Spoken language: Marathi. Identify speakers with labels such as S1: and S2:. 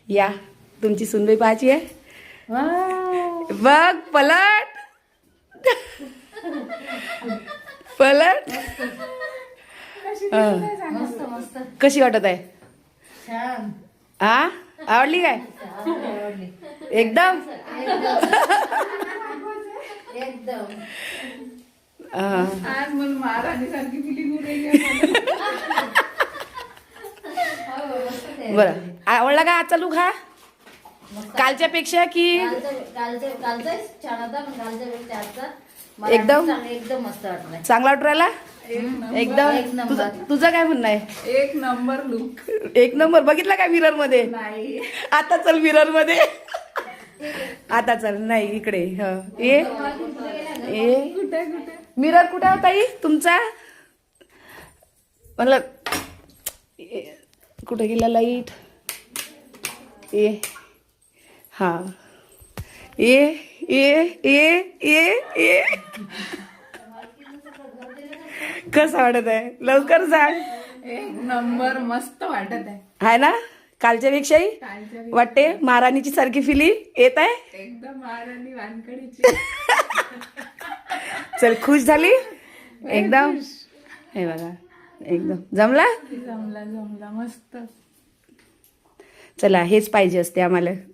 S1: या तुमची सुनबाई पाहायची आहे. बघ पलट पलट.
S2: मस्त मस्त
S1: कशी वाटत आहे?
S2: छान.
S1: हा आवडली काय?
S2: आवडली
S1: एकदम.
S2: एकदम.
S3: आज मला महाराणी सारखी फिलिंग होऊ राहिली.
S1: बरं आवडला का आजचा लुक हा? कालच्या पेक्षा की
S2: कालचा छान होता पण कालच्या पेक्षा आजचा मला
S1: एकदम?
S2: एकदम मस्त वाटलाय.
S1: चांगला वाटू राहिला
S2: एक
S1: एकदम?
S2: नंबर.
S1: तुझं काय म्हणणं आहे?
S3: एक नंबर लुक.
S1: एक नंबर. बघितला का मिरर मध्ये?
S3: नाही
S1: आता चल मिरर मध्ये. आता चल. नाही इकडे. ये
S3: कुठे कुठे
S1: मिरर कुठे होता ताई तुमचा? म्हणलं कुठे गेला लाईट? ये हा ये ये ये ये ये. कसं वाटत आहे? लवकर सांग.
S3: एक नंबर मस्त वाटत आहे.
S1: आहे ना कालच्या पेक्षाही?
S3: कालच्या
S1: वाटते महाराणीची सारखी फिलिंग येत आहे.
S3: एकदम महाराणी वानकडीची.
S1: चल खुश झाली एकदम. हे बघा एकदम जमला.
S3: जमला जमला मस्त.
S1: चला हेच पाहिजे असते आम्हाला.